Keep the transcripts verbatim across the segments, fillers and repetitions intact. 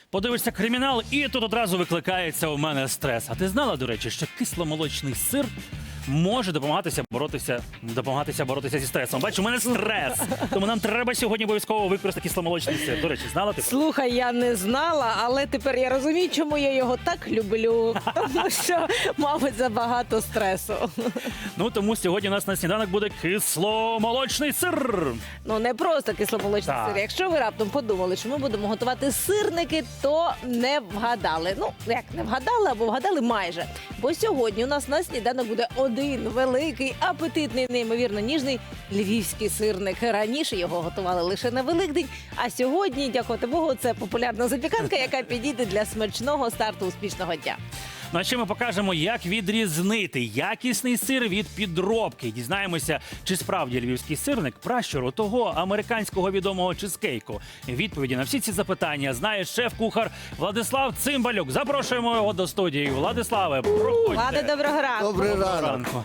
Подивишся кримінал, і тут одразу викликається у мене стрес. А ти знала, до речі, що кисломолочний сир може допомагатися боротися, допомагатися боротися зі стресом? Бачу, у мене стрес. Тому нам треба сьогодні обов'язково використати кисломолочний сир. До речі, знала ти? Слухай, я не знала, але тепер я розумію, чому я його так люблю. Тому що, мабуть, забагато стресу. Ну, тому сьогодні у нас на сніданок буде кисломолочний сир. Ну, не просто кисломолочний Так. сир. Якщо ви раптом подумали, що ми будемо готувати сирники, то не вгадали. Ну, як не вгадали, або вгадали майже. Бо сьогодні у нас на сніданок буде один великий, апетитний, неймовірно ніжний львівський сирник. Раніше його готували лише на Великдень, а сьогодні, дякувати Богу, це популярна запіканка, яка підійде для смачного старту успішного дня. Ну а ще ми покажемо, як відрізнити якісний сир від підробки. Дізнаємося, чи справді львівський сирник пращуру того американського відомого чизкейку. Відповіді на всі ці запитання знає шеф-кухар Владислав Цимбалюк. Запрошуємо його до студії. Владиславе, проходьте. Влада, доброго ранку. Добрий ранок. Ранку.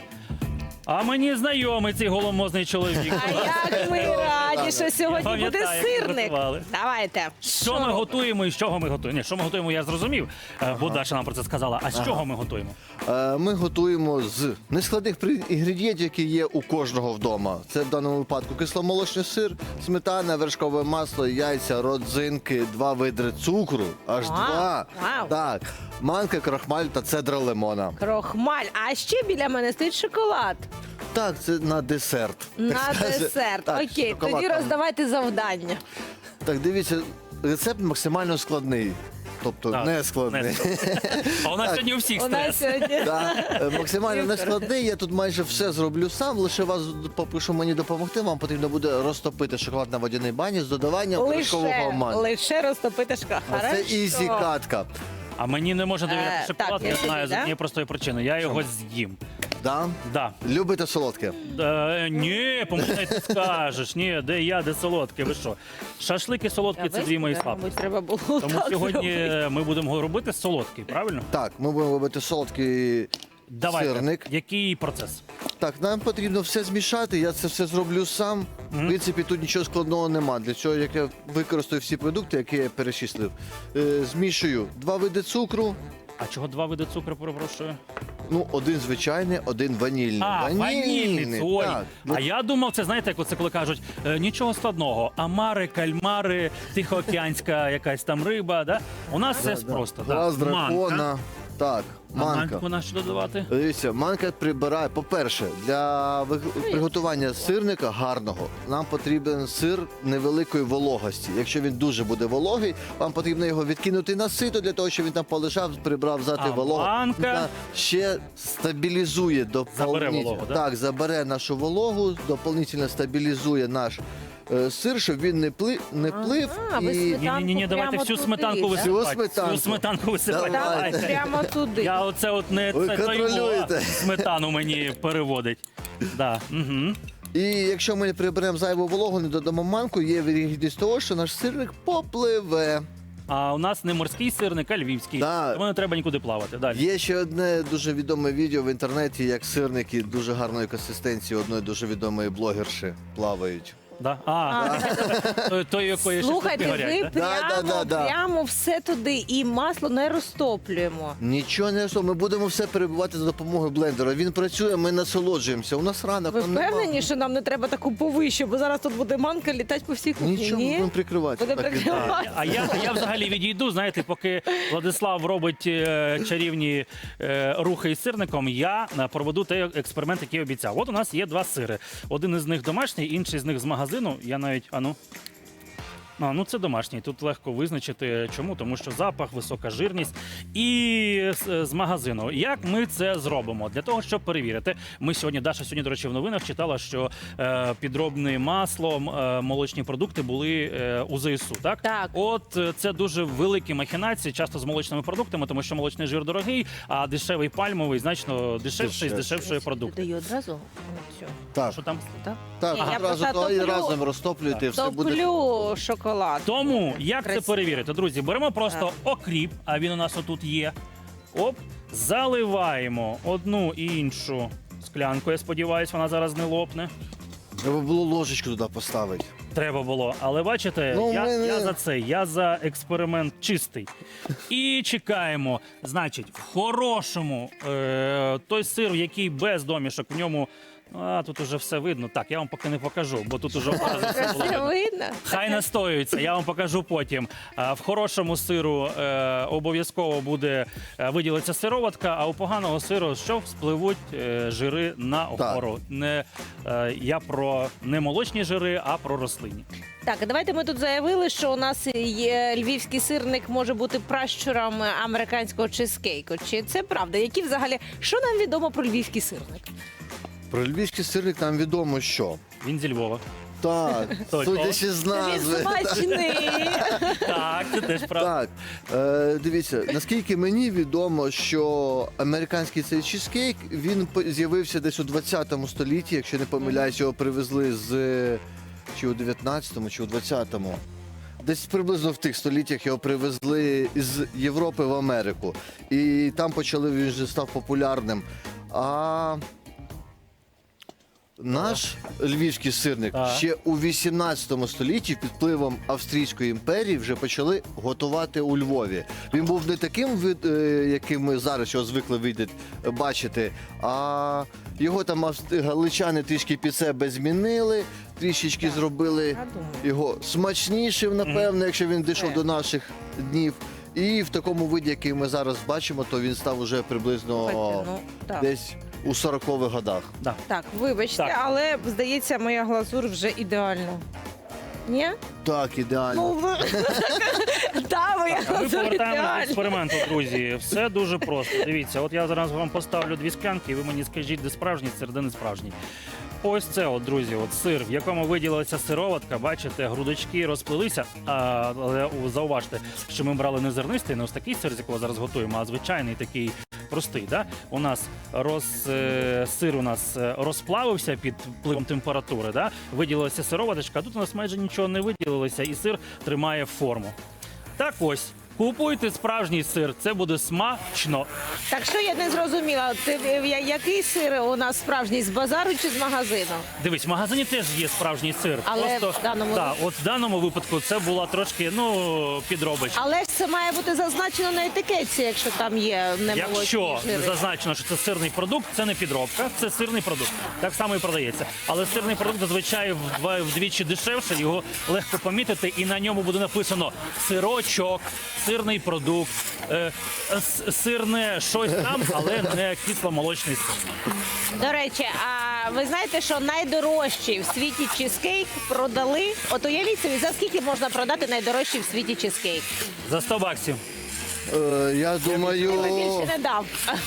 А мені знайомий цей голомозний чоловік. А як ми раді, що сьогодні буде Пам'ятаю, як сирник. готували. Давайте. Що ми готуємо і з чого ми готуємо? Ні, що ми готуємо, я зрозумів, ага. бо Даша нам про це сказала. А з чого ми готуємо? Е, Ми готуємо з нескладних при- інгредієнтів, які є у кожного вдома. Це в даному випадку кисломолочний сир, сметана, вершкове масло, яйця, родзинки, два видри цукру, аж Вау, два. вау. Так, манка, крахмаль та цедра лимона. Крохмаль. А ще біля мене стоїть шоколад. Так, це на десерт. На Так сказати. десерт. Так, Окей, шоколад тоді там. роздавайте завдання. Так, дивіться, рецепт максимально складний. Тобто Так, не складний. не А у нас сьогодні у всіх У нас стрес. сьогодні. Так, е, максимально Супер. нескладний. Я тут майже все зроблю сам. Лише вас попрошу мені допомогти. Вам потрібно буде розтопити шоколад на водяній бані з додаванням вершкового Лише, масла. лише розтопити шоколад. Це Хорошо. ізі катка. А мені не можна довіряти Е, шоколад, так, я я собі, знаю з да? однієї простої причини. Я його з'їм. Да? Да. Любите солодке? Е, ні, помогай, ти скажеш. Ні, де я, де солодке, ви що? Шашлики солодкі – це дві мої слабкі. Мабуть, треба було Тому так сьогодні зробити. ми будемо робити солодкий, правильно? Так, ми будемо робити солодкий Давайте. сирник. Який процес? Так, нам потрібно все змішати. Я це все зроблю сам. В принципі, тут нічого складного нема. Для цього, як я використаю всі продукти, які я перечислив. Е, змішую два види цукру. А чого два види цукру, перепрошую? Ну, один звичайний, один ванільний. А, ванільний, ой. Так. А я думав, це знаєте, як оце коли кажуть, е, нічого складного. Амари, кальмари, тихоокеанська якась там риба, да? У нас все просто. Да. Глаз дракона. Манка. Так, А манка. манку на що додавати? Дивіться, манка прибирає. По-перше, для ви- приготування сирника гарного нам потрібен сир невеликої вологості. Якщо він дуже буде вологий, вам потрібно його відкинути на сито для того, щоб він там полежав, прибрав взяти А вологу. манка? Та ще стабілізує доповнительно. вологу, да? Так, забере нашу вологу, доповнительно стабілізує наш е, сир, щоб він не плив, не плив а, ви і сметану Ні, ні, ні, давайте прямо всю туди, сметанку да? висипати. Всю сметанку. Всю сметанку висипати. Давайте. Так, прямо туди. Я оце от не Ви це то його, контролюєте. сметану мені переводить. Да. Угу. І якщо ми приберемо зайву вологу, не додамо манку, є вірогідність того, що наш сирник попливе. А у нас не морський сирник, а львівський. Да. Тому не треба нікуди плавати. Далі. Є ще одне дуже відоме відео в інтернеті, як сирники дуже гарної консистенції одної дуже відомої блогерші плавають. Да? А, той, той, якої Слухайте, шашлики ви горять, да? прямо, Да, да, да, да. прямо все туди і масло не розтоплюємо. Нічого не що, ми будемо все перебувати за допомогою блендера. Він працює, ми насолоджуємося. У нас ранок. Ви там нема. впевнені, що нам не треба таку повищу, бо зараз тут буде манка літати по всій кухні? Нічого, ми Ні? будемо прикривати. Буде Так і прикривати. так. А я, а я взагалі відійду, знаєте, поки Владислав робить е, чарівні е, рухи із сирником, я е, проведу той експеримент, який обіцяв. От у нас є два сири. Один із них домашній, інший з них з магазину. Я навіть, а ну. А, ну це домашній. Тут легко визначити. Чому? Тому що запах, висока жирність. І з, з магазину. Як ми це зробимо? Для того, щоб перевірити. Ми сьогодні, Даша сьогодні, до речі, в новинах читала, що е, підробне масло, м, е, молочні продукти були е, у ЗСУ, так? Так. От е, це дуже великі махінації, часто з молочними продуктами, тому що молочний жир дорогий, а дешевий пальмовий значно дешевший з Дешевший. дешевшої продукти. Додаю одразу цю. Так, Що там? Так? так, Ні, я одразу просто то і топлю- разом розтоплюєте, і все буде. Топлю шоколад. Тому як Красиво. це перевірити, друзі? Беремо просто окріп, а він у нас отут є. Оп, заливаємо одну і іншу склянку. Я сподіваюся, вона зараз не лопне. Треба було ложечку туди поставити. Треба було. Але бачите, Ну, я, мене- я за це, я за експеримент чистий. І чекаємо. Значить, в хорошому е, той сир, який без домішок, в ньому. А, тут уже все видно. Так, я вам поки не покажу, бо тут уже одразу все було Це видно. видно? Хай настоюється, я вам покажу потім. А, в хорошому сиру е, обов'язково буде е, виділиться сироватка, а у поганого сиру що спливуть е, жири на гору. Не, е, я про не молочні жири, а про рослинні. Так, а давайте ми тут заявили, що у нас є львівський сирник може бути пращуром американського чизкейку. Чи це правда? Які взагалі, що нам відомо про львівський сирник? Про львівський сирник нам відомо, що. Він зі Львова. Так, Точно. судячи з Він назви. смачний. Так, це теж правда. Так, е, дивіться, наскільки мені відомо, що американський цей чизкейк, він по- з'явився десь у двадцятому столітті, якщо не помиляюсь, його привезли з чи у дев'ятнадцятому, чи у двадцятому. Десь приблизно в тих століттях його привезли з Європи в Америку. І там почали, він вже став популярним. А наш львівський сирник Так. ще у вісімнадцятому столітті під впливом Австрійської імперії вже почали готувати у Львові. Він був не таким, вид- е, яким ми зараз його звикли видати, бачити, а його там авст- галичани трішки під себе змінили, трішечки зробили Я думаю. його смачнішим, напевно, якщо він дійшов Е. до наших днів. І в такому виді, який ми зараз бачимо, то він став уже приблизно Слухайте, ну, так. десь у сорокових годах. Да. Так, вибачте, Так. але здається, моя глазур вже ідеальна. Ні? Так, ідеально. Ну, ви... Та, моя А ми глазур повертаємося до ідеальна. експерименту, друзі. Все дуже просто. Дивіться, от я зараз вам поставлю дві склянки, і ви мені скажіть, де справжній сир, де не справжній. Ось це, от, друзі, от сир, в якому виділилася сироватка, бачите, грудочки розплилися. А, але у- зауважте, що ми брали не зернистий, не ось такий сир, з якого зараз готуємо, а звичайний такий простий. Да? У нас роз, е, сир у нас е, розплавився під впливом температури, да? Виділилася сироваточка, а тут у нас майже нічого не виділилося, і сир тримає форму. Так ось. Купуйте справжній сир, це буде смачно. Так що я не зрозуміла, ти, я- який сир у нас справжній, з базару чи з магазину? Дивись, в магазині теж є справжній сир. Але Просто, в даному- да, от в даному випадку це була трошки ну, підробочка. Але ж це має бути зазначено на етикетці, якщо там є немолочні Якщо жири. зазначено, що це сирний продукт, це не підробка, це сирний продукт. Так само і продається. Але сирний продукт зазвичай вдва- вдвічі дешевше, його легко помітити, і на ньому буде написано сирочок, сирний продукт, е, с- сирне щось там, але не кисломолочний сир. До речі, а ви знаєте, що найдорожчий в світі чизкейк продали? От уявіть собі, за скільки можна продати найдорожчий в світі чизкейк? За сто баксів. Е, я Я думаю, більше не дав.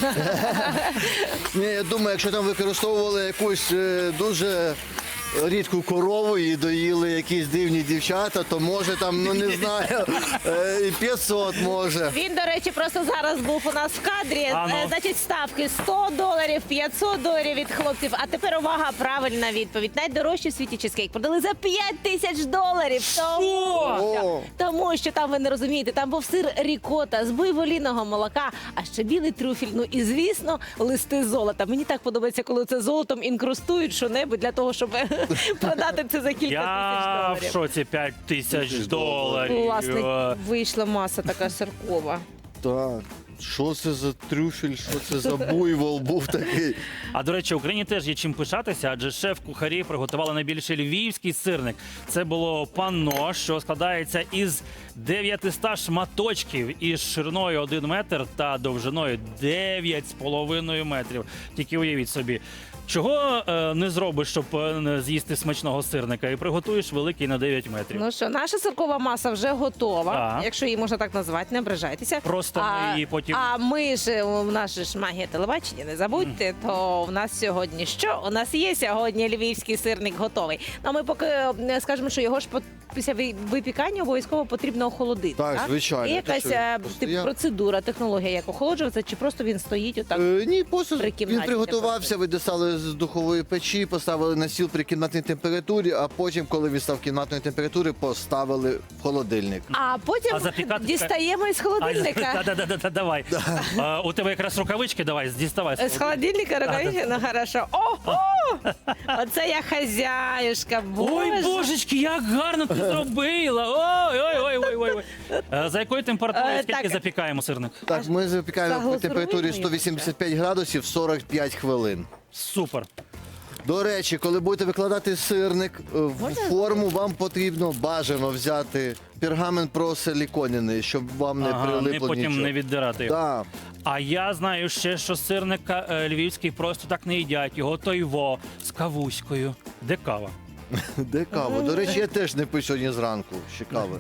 ні, я думаю, якщо там використовували якусь е, дуже рідку корову і доїли якісь дивні дівчата, то може там, ну не знаю, е, і п'ятсот може. Він, до речі, просто зараз був у нас в кадрі. А, ну. Е, Значить, ставки сто доларів, п'ятсот доларів від хлопців. А тепер увага, правильна відповідь. Найдорожчий в світі чизкейк продали за п'ять тисяч доларів. Тому О! що, тому що там ви не розумієте, там був сир рікота з буйволіного молока, а ще білий трюфель. Ну і звісно, листи золота. Мені так подобається, коли це золотом інкрустують що-небудь для того, щоб продати це за кілька Я тисяч в доларів. шоці п'ять тисяч доларів. Власне, вийшла маса така сиркова. Так, що це за трюфель, що це за буйвол був такий? А до речі, Україні теж є чим пишатися, адже шеф-кухарі приготували найбільший львівський сирник. Це було панно, що складається із дев'ятисот шматочків із шириною один метр та довжиною дев'ять з половиною метрів. Тільки уявіть собі. Чого е, не зробиш, щоб е, не з'їсти смачного сирника, і приготуєш великий на дев'ять метрів. Ну що, наша сиркова маса вже готова, Так. якщо її можна так назвати, не ображайтеся. Просто ми її потім- А ми ж, у нас же ж магія телебачення, не забудьте, то в нас сьогодні що? У нас є сьогодні львівський сирник готовий. Ну, а ми поки е, скажемо, що його ж по- після ви- випікання обов'язково потрібно охолодити. Так, звичайно. Є Те, якась що він е, тип, постояв. процедура, технологія, як охолоджується, чи просто він стоїть отак? Е, ні, просто При він кімнатній приготувався, ви достали з духової печі, поставили на стіл при кімнатній температурі, а потім, коли він став кімнатної температури, поставили в холодильник. А потім А запікати дістаємо із холодильника. Да-да-да, давай. давай. Е, у тебе якраз рукавички, давай, діставай. З холодильника рукавички? Ну, хорошо. Ого! Оце я хазяюшка, Ой, боже. божечки, як гарно ти зробила! Ой, ой, ой, ой, ой. Е, За якою температурою Е, скільки так. запікаємо сирник? Так, ми запікаємо при Заглазуруємо температурі його сто вісімдесят п'ять градусів сорок п'ять хвилин. Супер. До речі, коли будете викладати сирник е, в Можна форму, вам потрібно бажано взяти пергамент просиліконений, щоб вам не Ага, не прилипло потім нічого. не віддирати його. Так. А я знаю ще, що сирника е, львівський просто так не їдять. Його тойво з кавуською. Де кава? Де кава? До речі, я теж не пив сьогодні зранку. Ще кави.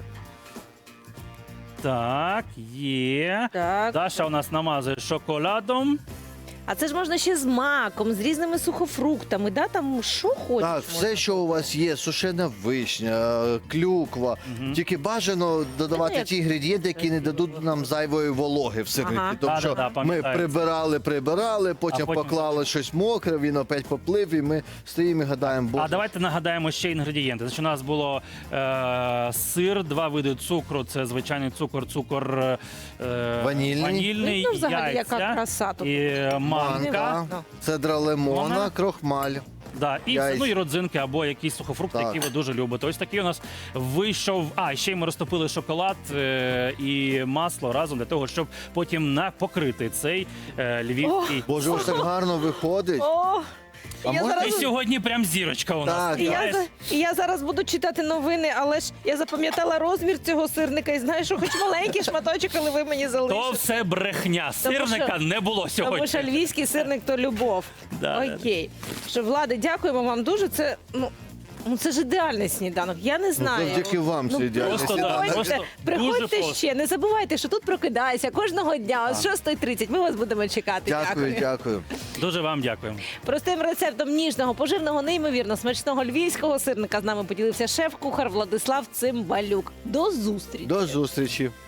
Так, є. Так. Даша у нас намазує шоколадом. А це ж можна ще з маком, з різними сухофруктами, да? Там що хочеш. Так, можна. все, що у вас є, сушена вишня, е, клюква. Тільки бажано додавати Ну, як- ті інгредієнти, які не дадуть нам зайвої вологи в сирнику. Ага. Тому що Да-да-да, ми пам'ятаю. прибирали, прибирали, потім, потім- поклали щось мокре, він опять поплив, і ми стоїмо і гадаємо, боже. А давайте нагадаємо ще інгредієнти. Значить, у нас було е, сир, два види цукру. Це звичайний цукор, цукор е, Ванільний. ванільний, Ну, взагалі, яйця яка краса тут. і е, манка. Манка, Ну. цедра лимона, Вона- крохмаль. Да, і Яйця. ну, і родзинки або якісь сухофрукти, Так. які ви дуже любите. Ось такий у нас вийшов. А ще й ми розтопили шоколад е, і масло разом для того, щоб потім на покрити цей е, львівський. Боже, ось так гарно виходить. О, А я можна І зараз... сьогодні прям зірочка у нас. Так, І я, Знаєш? за- і я зараз буду читати новини, але ж я запам'ятала розмір цього сирника і знаю, що хоч маленький шматочок, але ви мені То залишите. все брехня. Тому Сирника що- не було сьогодні. Тому що львівський сирник то любов. Да, да, Окей. Що, Влади, дякуємо вам дуже. Це, ну, ну, це ж ідеальний сніданок. Я не знаю. завдяки вам це ідеальний просто, да, сніданок. просто Приходьте, дуже приходьте просто. ще. Не забувайте, що тут прокидайся кожного дня о шоста тридцять. Ми вас будемо чекати. Дякую, дякую. Дуже вам дякуємо. Простим рецептом ніжного, поживного, неймовірно смачного львівського сирника з нами поділився шеф-кухар Владислав Цимбалюк. До зустрічі! До зустрічі.